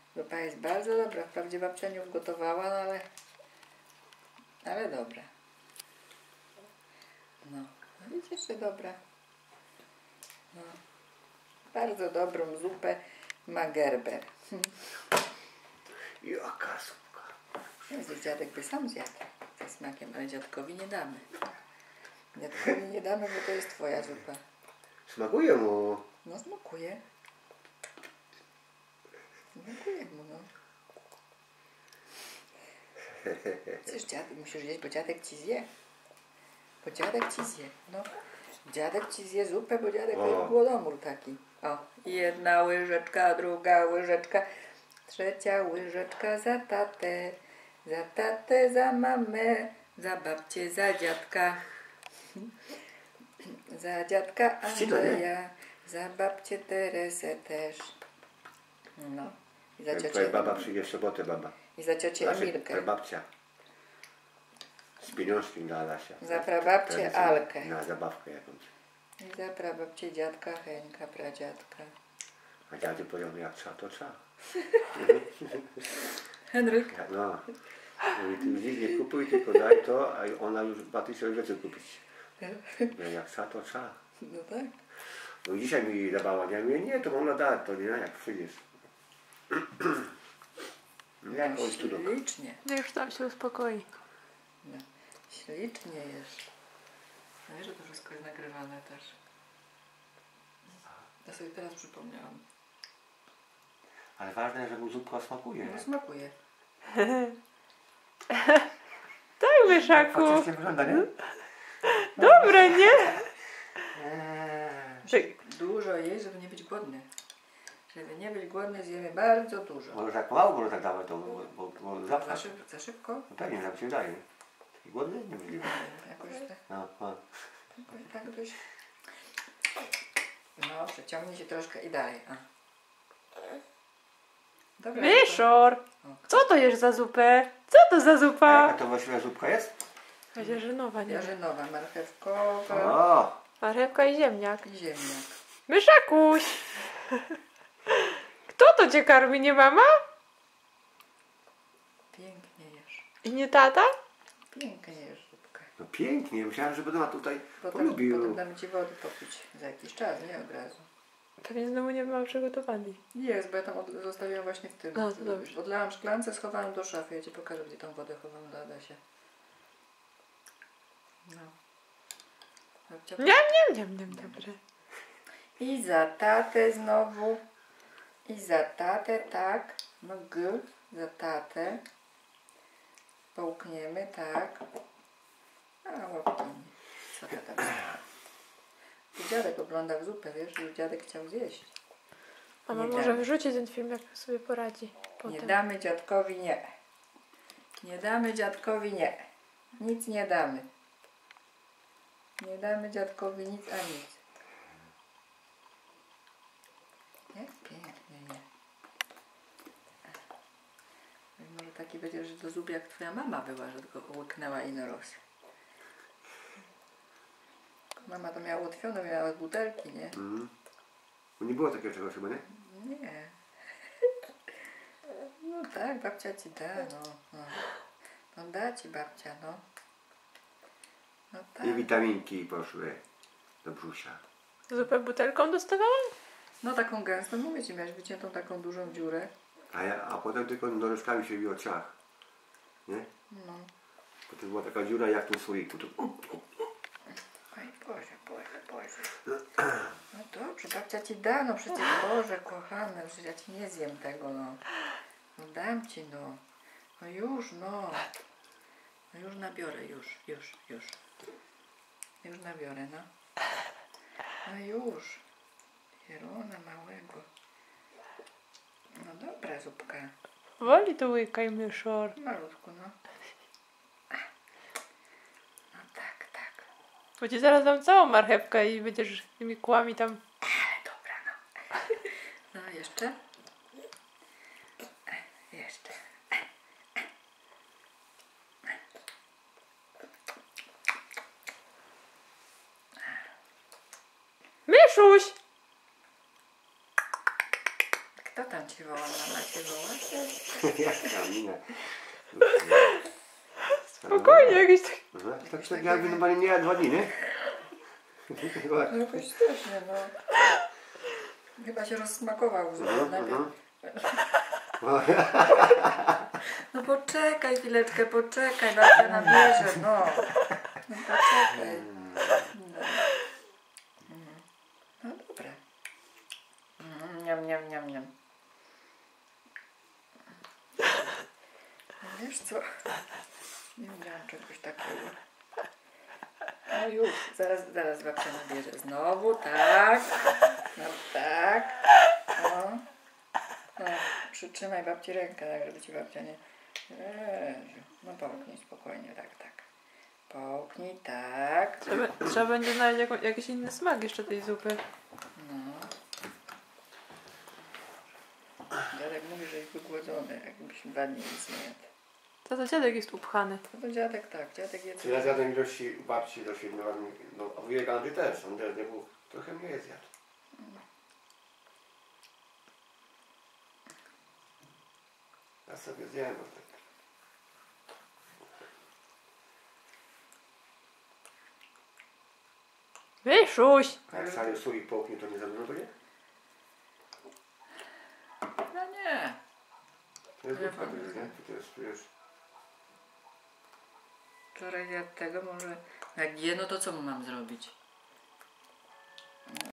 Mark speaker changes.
Speaker 1: Zupa jest bardzo dobra. Wprawdzie babcia nie ugotowała, no ale dobra. No, widzisz, że dobra. No. Bardzo dobrą zupę ma Gerber.
Speaker 2: Jaka zupka.
Speaker 1: Jezus, dziadek by sam zjadł ze smakiem, ale dziadkowi nie damy. Dziadkowi nie damy, bo to jest twoja zupa.
Speaker 2: Smakuje mu.
Speaker 1: No smakuje. Smakuje mu, no. Przecież dziadek musisz jeść, bo dziadek ci zje. Bo dziadek ci zje, no. Dziadek ci zje zupę, bo dziadek to jest głodomór taki. O, jedna łyżeczka, druga łyżeczka, trzecia łyżeczka za tatę, za mamę, za babcię, za dziadka. Za dziadka Andrzeja, za babcię Teresę też. No. I za ciocię
Speaker 2: Twoja baba przyjdzie w sobotę, baba.
Speaker 1: I za ciocię Emilkę.
Speaker 2: Twoja babcia. Z pieniążki dla Alasia.
Speaker 1: Za prababcię Alkę.
Speaker 2: Na zabawkę jakąś.
Speaker 1: I za prababcię dziadka Henka, pradziadka.
Speaker 2: A dziady powiedział, jak trzeba, to trzeba.
Speaker 1: Henryk.
Speaker 2: No. Mówi, ty nic nie kupuj, tylko daj to, a ona już 2000 rzeczy kupić. Jak trzeba, to trzeba.
Speaker 1: No tak.
Speaker 2: No dzisiaj mi dawała, ja mówię, nie, to ona da, to nie, jak przyjdziesz. Jak on tu
Speaker 1: Ślicznie.
Speaker 3: No już tam się uspokoi.
Speaker 1: No. Ślicznie jesz. No wiesz, że to wszystko jest nagrywane też. Ja sobie teraz przypomniałam.
Speaker 2: Ale ważne, że mu zupka smakuje.
Speaker 1: No smakuje.
Speaker 3: Tak, Myszaku.
Speaker 2: Faktycznie wygląda, nie?
Speaker 3: Dobre, nie?
Speaker 1: Dużo jeść, żeby nie być głodny. Żeby nie być głodny, zjemy bardzo dużo.
Speaker 2: Może tak mało, może tak dawać, to bo
Speaker 1: Za szybko?
Speaker 2: No pewnie, tak się wydaje. Taki głodny? Nie możliwe.
Speaker 1: Jakoś tak.
Speaker 2: No.
Speaker 1: Jakoś tak dość. No, przeciągnij się troszkę i dalej. A. Dobra.
Speaker 3: Myszor! Co to jest za zupę? Co to za
Speaker 2: A
Speaker 3: zupa?
Speaker 2: jaka to właściwie zupka jest?
Speaker 3: Jarzynowa, nie?
Speaker 1: Jarzynowa, marchewkowa
Speaker 2: O!
Speaker 3: Marchewka i ziemniak.
Speaker 1: i ziemniak.
Speaker 3: Myszakuś! Kto to cię karmi, nie mama?
Speaker 1: Pięknie jesz.
Speaker 3: I nie tata?
Speaker 1: Pięknie jesz zupkę.
Speaker 2: No pięknie, myślałem, że będę tutaj polubił.
Speaker 1: Potem dam ci wody popić za jakiś czas, nie od razu.
Speaker 3: Pewnie znowu nie mam przygotowani.
Speaker 1: Jest, bo ja tam zostawiłam właśnie w tym.
Speaker 3: No, to dobrze.
Speaker 1: Odlałam szklance, schowałam do szafy. Ja ci pokażę, gdzie tą wodę chowam dla Adasia. No.
Speaker 3: Nie, dobre.
Speaker 1: I za tatę znowu. I za tatę, tak. No za tatę. Połkniemy, tak. A łapkami. Co to tam? Tu dziadek oglądał zupę, wiesz, i dziadek chciał zjeść.
Speaker 3: Mama
Speaker 1: Nie
Speaker 3: może
Speaker 1: damy.
Speaker 3: wyrzuci ten film, jak sobie poradzi. Potem.
Speaker 1: Nie damy dziadkowi nie. Nie damy dziadkowi nie. Nic nie damy. Nie damy dziadkowi nic a nic. Jest pięknie, nie? Może taki będzie, że to zub jak twoja mama była, że tylko łyknęła i narost. Mama to miała ułatwione, miała z butelki, nie?
Speaker 2: Nie było takiego czegoś chyba, nie?
Speaker 1: Nie. No tak, babcia ci da, no. No da ci babcia, no. No tak.
Speaker 2: I witaminki poszły do brzusia.
Speaker 3: Zupę butelką dostawałam?
Speaker 1: No taką gęstą, mówię ci, miałeś wyciętą taką dużą dziurę.
Speaker 2: A potem tylko nożyczkami się biło ciach. Nie?
Speaker 1: No.
Speaker 2: Potem była taka dziura jak w tym słoiku. To...
Speaker 1: Oj, Boże. No dobrze, babcia ci da, no przecież Boże, kochane, przecież ja ci nie zjem tego, no. No dam ci, no. No już, no. No już nabiorę, już. Już nabiorę, no. No już. Pieruna małego. No dobra, zupka.
Speaker 3: Woli to łykaj, Myszor.
Speaker 1: Malutku, no. No tak.
Speaker 3: Bo ci zaraz dam całą marchewkę i będziesz tymi kłami tam.
Speaker 1: Ale dobra, no. No jeszcze. Jeszcze.
Speaker 3: Myszuś!
Speaker 1: Kto tam cię cię woła, mama cię woła.
Speaker 2: Jaka mina.
Speaker 3: Spokojnie, jakieś tak...
Speaker 2: Tak jakby normalnie nie jadła 2 dni, nie?
Speaker 1: No jakoś strasznie, no. Chyba się rozsmakował. Najpierw... No poczekaj chwileczkę, poczekaj, babcia nabierze, no. No poczekaj. No dobre. Niam, niam, niam, niam. Wiesz co? Nie miałam czegoś takiego. No już, zaraz babcia nabierze. Znowu, tak. No tak. O. No, przytrzymaj babci rękę, tak żeby ci babcia nie... Jezu. No połknij spokojnie, tak. Połknij, tak.
Speaker 3: Trzeba będzie znaleźć jakiś inny smak jeszcze tej zupy.
Speaker 1: No. Dziadek mówi, że jest wygłodzony, jakbyś 2 dni nic nie jadł.
Speaker 3: To dziadek jest upchany.
Speaker 1: No to dziadek tak, dziadek jest...
Speaker 2: Ja zjadłem ilości u babci do 7 lat, no a wujek Andrzej też, on też nie był, trochę mniej zjadł. Ja sobie zjadłem tak.
Speaker 3: Wyszuś!
Speaker 2: A jak cały sól i połknie, to nie za dużo będzie?
Speaker 1: No nie.
Speaker 2: To jest zupka, to jest, nie? To jest, wiesz...
Speaker 1: Wczoraj jadł tego, może... Jak je, no to co mu mam zrobić?